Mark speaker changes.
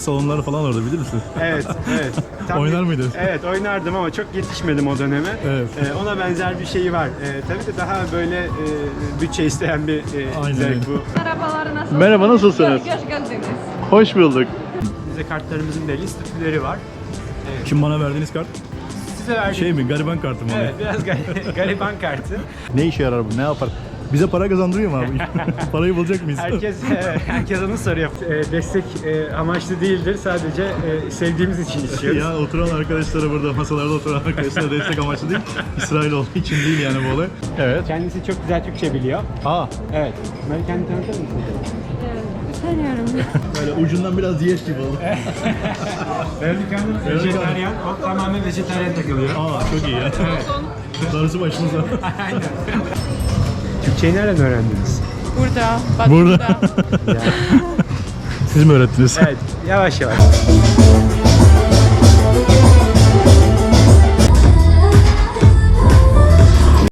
Speaker 1: salonları falan orada, bilir misin?
Speaker 2: Evet, evet.
Speaker 1: Oynar mıydın?
Speaker 2: Evet, oynardım ama çok yetişmedim o döneme.
Speaker 1: Evet.
Speaker 2: Ona benzer bir şeyi var. Tabii de daha böyle bütçe isteyen bir
Speaker 1: Aynen.
Speaker 2: zevk bu.
Speaker 3: Merhabalar, nasılsınız?
Speaker 1: Merhaba, nasılsınız?
Speaker 3: Hoş geldiniz.
Speaker 1: Hoş bulduk.
Speaker 2: Bize kartlarımızın belli statüleri var.
Speaker 1: Kim bana verdiğiniz kart?
Speaker 2: Size verdiğim...
Speaker 1: Şey mi, gariban kartı mı?
Speaker 2: Evet, biraz gariban kartı.
Speaker 1: Ne işe yarar bu, ne yapar? Bize para kazandırıyor mu abi? Parayı bulacak mıyız?
Speaker 2: Herkes onu soruyor. Destek amaçlı değildir, sadece sevdiğimiz için istiyoruz.
Speaker 1: Ya oturan arkadaşlara, burada masalarda oturan arkadaşlara destek amaçlı değil, İsrail olduğu için değil yani bu olay. Evet.
Speaker 2: Kendisi çok güzel Türkçe biliyor.
Speaker 1: Aa,
Speaker 2: Evet. Böyle kendini tanıtır mısın?
Speaker 3: Tanıyorum.
Speaker 1: böyle ucundan biraz diyet gibi oldu.
Speaker 2: Benim dükkanım vejetaryen, o tamamen vejetaryen takılıyor.
Speaker 1: Aa, çok iyi ya. Darısı başımıza.
Speaker 2: Aynen. Türkçeyi nereden öğrendiniz?
Speaker 3: Burada. Bak
Speaker 1: Burada. Siz mi öğrettiniz?
Speaker 2: Evet, yavaş yavaş.